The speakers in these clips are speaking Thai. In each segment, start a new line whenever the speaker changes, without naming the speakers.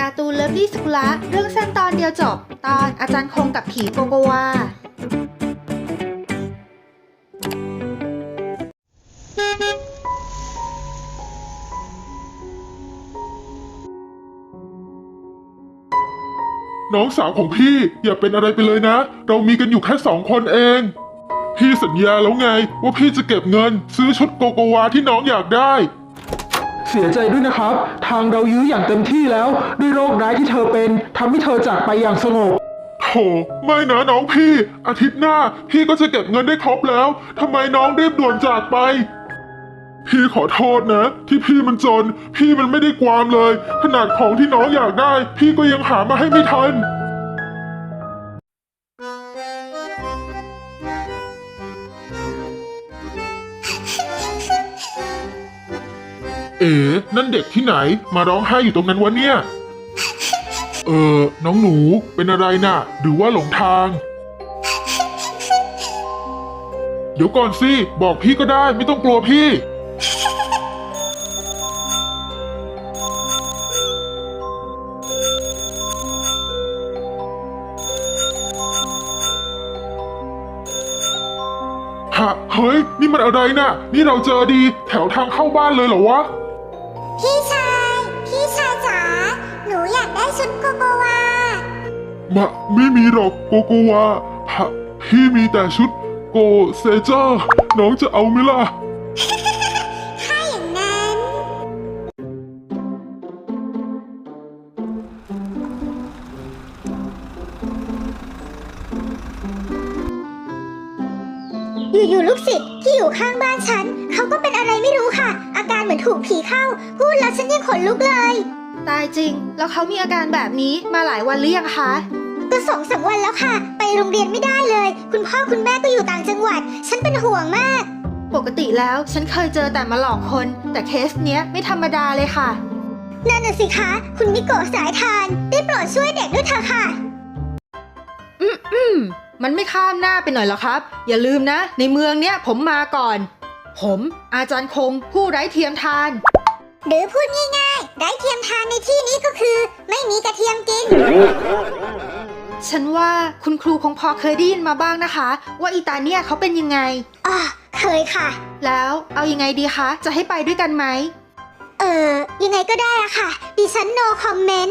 การ์ตูนเลิฟลี่สกุละเรื่องสั้นตอนเดียวจบตอนอาจารย์คงกับผีโกโกวา
น้องสาวของพี่อย่าเป็นอะไรไปเลยนะ เรามีกันอยู่แค่2 คนเอง พี่สัญญาแล้วไงว่าพี่จะเก็บเงินซื้อชุดโกโกวาที่น้องอยากได้
เสียใจด้วยนะครับ ทางเรายื้ออย่างเต็มที่แล้วด้วยโรคร้ายที่เธอเป็นทำให้เธอจากไปอย่างสงบ
โถไม่นะน้องพี่อาทิตย์หน้าพี่ก็จะเก็บเงินได้ครบแล้วทำไมน้องรีบด่วนจากไปพี่ขอโทษนะที่พี่มันจนพี่มันไม่ได้ความเลยขนาดของที่น้องอยากได้พี่ก็ยังหามาให้ไม่ทันเอ๋นั่นเด็กที่ไหนมาร้องไห้อยู่ตรงนั้นวะเนี่ยน้องหนูเป็นอะไรน่ะหรือว่าหลงทางเดี๋ยวก่อนสิบอกพี่ก็ได้ไม่ต้องกลัวพี่ฮะเฮ้ยนี่มันอะไรน่ะนี่เราเจอดีแถวทางเข้าบ้านเลยเหรอวะ
พี่ชายจ๋า หนูอยากได้ชุดโกโกวา
ไม่มีหรอกโกโกวาพี่มีแต่ชุดโกเซเจอร์น้องจะเอาไหมล่ะ
ถ้าอย่างนั้น อยู่ๆลูกศิษย์ที่อยู่ข้างบ้านฉันเขาก็เป็นอะไรไม่รู้ค่ะ อาการเหมือนถูกผีเข้า พูดแล้วฉันยังขนลุกเลย
ตายจริงแล้วเขามีอาการแบบนี้มาหลายวันหรือยังคะ
ก็2-3 วันแล้วค่ะ ไปโรงเรียนไม่ได้เลย คุณพ่อคุณแม่ก็อยู่ต่างจังหวัด ฉันเป็นห่วงมาก
ปกติแล้วฉันเคยเจอแต่มาหลอกคนแต่เคสเนี้ยไม่ธรรมดาเลยค่ะ
นั่นน่ะสิคะคุณมิโกะสายทานได้โปรดช่วยเด็กด้วยเถอะค่ะ
มันไม่ข้ามหน้าไปหน่อยหรอครับอย่าลืมนะในเมืองเนี้ยผมมาก่อนผมอาจารย์คงผู้ไร้เทียมทาน
หรือพูดง่ายๆไร้เทียมทานในที่นี้ก็คือไม่มีกระเทียมกิน
ฉันว่าคุณครูคงพอเคยได้ยินมาบ้างนะคะว่าอีตาเนี่ยเขาเป็นยังไง
เคยค่ะ
แล้วเอายังไงดีคะจะให้ไปด้วยกันไหม
ยังไงก็ได้อะค่ะดิฉัน no comment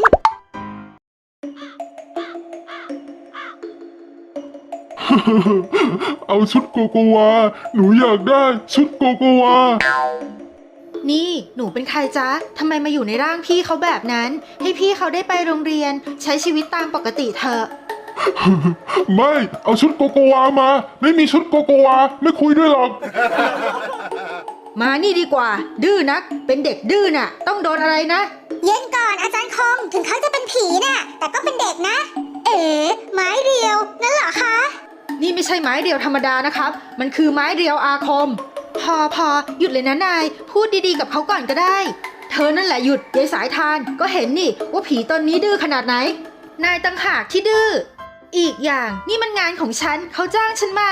เอาชุดโกโกวาหนูอยากได้ชุดโกโกวา
นี่หนูเป็นใครจ๊ะทำไมมาอยู่ในร่างพี่เขาแบบนั้นให้พี่เขาได้ไปโรงเรียนใช้ชีวิตตามปกติเถอะ
ไม่เอาชุดโกโกวามาไม่มีชุดโกโกวาไม่คุยด้วยหรอก
มานี่ดีกว่าดื้อนักเป็นเด็กดื้อน่ะต้องโดนอะไรนะ
เย็นก่อนอาจารย์คงถึงเขาจะเป็นผีน่ะแต่ก็เป็นเด็กนะไม้เรียวนั่นเหรอคะ
นี่ไม่ใช่ไม้เรียวธรรมดานะครับมันคือไม้เรียวอาคมพอหยุดเลยนะนายพูดดีๆกับเขาก่อนก็ได้เธอนั่นแหละหยุดยายสายทานก็เห็นนี่ว่าผีตนนี้ดื้อขนาดไหนนายต่างหากที่ดื้ออีกอย่างนี่มันงานของฉันเขาจ้างฉันมา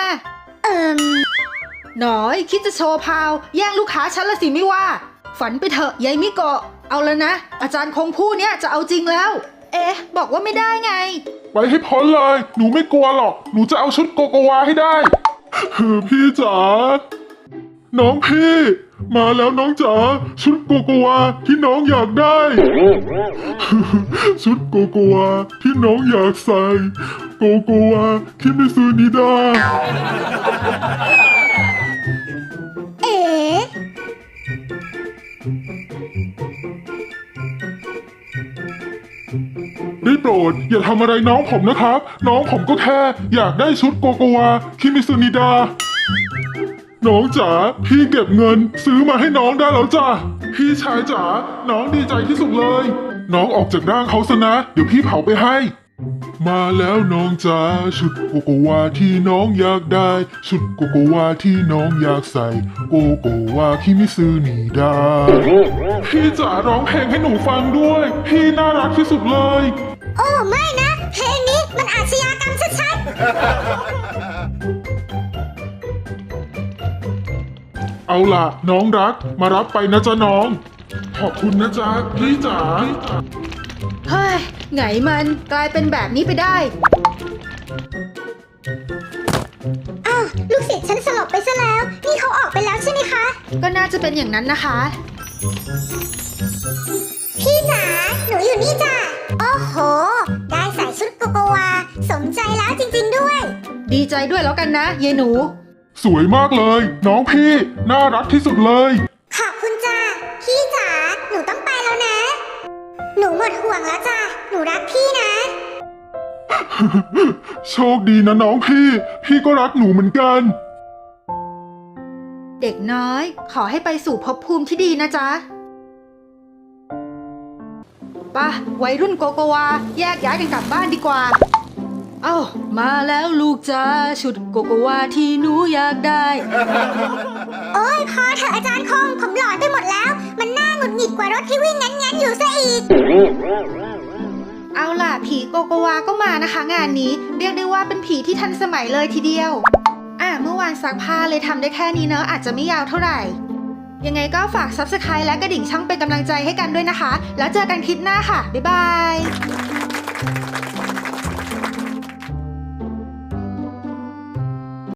หน่อยคิดจะโชว์พาวแย่งลูกค้าฉันละสิไม่ว่าฝันไปเถอะยายมิโกะเอาแล้วนะอาจารย์คงผู้เนี้ยจะเอาจริงแล้วบอกว่าไม่ได้ไง
ไปให้พ้นเลยหนูไม่กลัวหรอกหนูจะเอาชุดโกโกวาให้ได้พี่จ๋าน้องพี่มาแล้วน้องจ๋าชุดโกโกวาที่น้องอยากได้ชุดโกโกวาที่น้องอยากใส่โกโกวาคิมิซูนิดาได้โปรดอย่าทำอะไรน้องผมนะครับน้องผมก็แค่อยากได้ชุดโกโกวาคิมิซูนิดาน้องจ๋าพี่เก็บเงินซื้อมาให้น้องได้แล้วจ้ะพี่ชายจ๋าน้องดีใจที่สุดเลยน้องออกจากร่างเขาซะนะเดี๋ยวพี่เผาไปให้มาแล้วน้องจ๋าชุดโกโกวาที่น้องอยากได้ชุดโกโกวาที่น้องอยากใส่โกโกวาคิมิซึนิดาพี่จ๋าร้องเพลงให้หนูฟังด้วยพี่น่ารักที่สุดเลย
โอ้ไม่นะเพลงนี้มันอาชญากรรมชัดๆ
เอาล่ะน้องรักมารับไปนะจ๊ะน้องขอบคุณนะจ๊ะพี่จ๋า
เฮ้ยไงมันกลายเป็นแบบนี้ไปได้
อ้าวลูกศิษย์ฉันสลบไปซะแล้ว นี่เขาออกไปแล้วใช่ไหมคะ
ก็น่าจะเป็นอย่างนั้นนะคะ
พี่จ๋า หนูอยู่นี่จ้ะ โอ้โห ได้ใส่ชุดโกโกวา สมใจแล้วจริงๆด้วย
ดีใจด้วยแล้วกันนะยายหนู
สวยมากเลย น้องพี่น่ารักที่สุดเลย
ขอบคุณจ้ะ พี่จ๋า หนูต้องไปแล้วนะ หนูหมดห่วงแล้วจ้ะ หนูรักพี่นะ
โชคดีนะน้องพี่ก็รักหนูเหมือนกัน
เด็กน้อย ขอให้ไปสู่ภพภูมิที่ดีนะจ๊ะป่ะวัยรุ่นโกโกวาแยกย้ายกันกลับบ้านดีกว่า เอ้ามาแล้วลูกจ้าชุดโกโกวาที่หนูอยากได้
โอ้ยพอเถอะอาจารย์คง ผมหลอนไปหมดแล้ว มันน่าหงุดหงิดกว่ารถที่วิ่งงั้นๆอยู่ซะอีก
เอาล่ะผีโกโกวาก็มานะคะงานนี้เรียกได้ว่าเป็นผีที่ทันสมัยเลยทีเดียวเมื่อวานซักผ้าเลยทำได้แค่นี้เนอะอาจจะไม่ยาวเท่าไหร่ ยังไงก็ฝาก Subscribe และกระดิ่งช่องเป็นกำลังใจให้กันด้วยนะคะ แล้วเจอกันคลิปหน้าค่ะบ๊ายบาย